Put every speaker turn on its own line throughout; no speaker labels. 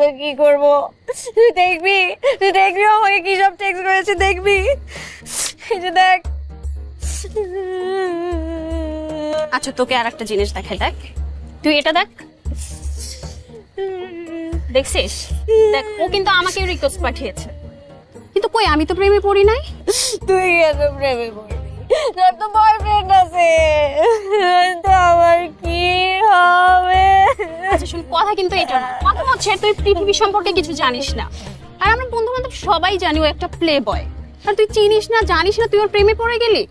কি করব? তুই দেখবি আমাকে কি সব টেক্সট করেছে, দেখবি? এই যে দেখ।
আচ্ছা তোকে আর একটা জিনিস দেখাই, দেখ তুই এটা দেখ, দেখছিস? দেখ ও কিন্তু আমাকে রিকোয়েস্ট পাঠিয়েছে, কিন্তু কই আমি তো প্রেমে পড়ি নাই।
তুই কেন প্রেমে পড়বি? তোর তো বয়ফ্রেন্ড আছে, তো আমার কি হবে?
আচ্ছা শুন, কথা কিন্তু এটা না, কথা হচ্ছে তুই পৃথিবী সম্পর্কে কিছু জানিস না, আর আমরা বন্ধু বান্ধব সবাই জানি ও একটা প্লে বয়, আর তুই চিনিস না জানিস না তুই ওর প্রেমে পড়ে গেলি।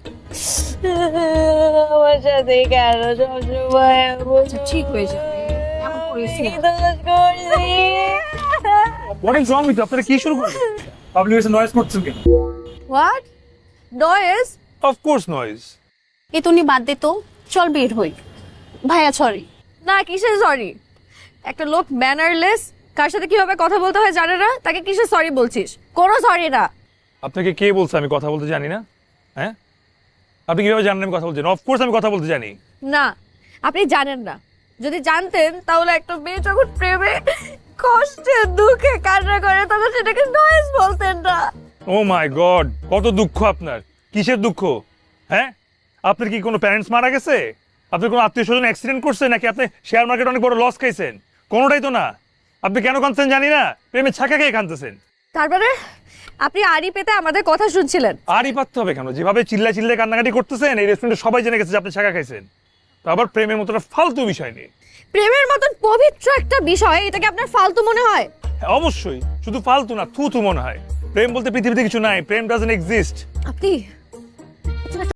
আমার সাথে কেন সবসময়
আচ্ছা ঠিক হয়ে যাবে, এমন করিস না।
কি দোষ করছি?
What is wrong with you? আপনারা কি শুরু করলেন? পাবলিক এসে নয়েজ করছেন কেন?
What noise?
Of course noise.
এই তুই বাদ দে তো, চল বের হই। ভাইয়া সরি।
না, কিসের সরি? একটা লোক ম্যানারলেস, কার সাথে কিভাবে কথা বলতে হয় জানে না, তাকে কিসের সরি বলছিস? কোনো সরি না।
আপনাকে কে বলছে আমি কথা বলতে জানি না? হ্যাঁ, আপনি কিভাবে জানেন আমি কথা বলতে জানি? অফ কোর্স আমি কথা বলতে জানি।
না, আপনি জানেন না। যদি জানতেন তাহলে একটা মেয়ে যখন প্রেমে কষ্টে দুঃখে কান্না করে তখন সেটাকে নয়েজ বলতেন না।
ও মাই গড, কত দুঃখ আপনার! কিসের দুঃখ? হ্যাঁ, আপনার কি কোনো প্যারেন্টস মারা গেছে? আপনার কোনো আত্মীয় স্বজন অ্যাক্সিডেন্ট করছে, নাকি আপনি শেয়ার মার্কেটে অনেক বড় লস খাইছেন? কোনোটাই তো না। আপনি কেন কাঁদছেন জানি না, প্রেমে ছাকা খেয়ে কাঁদতেছেন।
তারপরে আপনি আড়ি পেতে আমাদের কথা শুনছিলেন।
আরই পারতে হবে কেন? যেভাবে চিল্লায় কান্নাকাটি করতেছেন, এই রেস্টুরেন্টে সবাই জেনে গেছে যে আপনি ছাকা খাইছেন। তো আবার প্রেমের মতো একটা ফালতু বিষয় নিয়ে।
প্রেমের মতন পবিত্র একটা বিষয়, এটাকে আপনার ফালতু মনে হয়?
হ্যাঁ, অবশ্যই, শুধু ফালতু না, থু থু মনে হয়। প্রেম বলতে পৃথিবীতে কিছু নাই, প্রেম ডাজন্ট এক্সিস্ট।
আপনি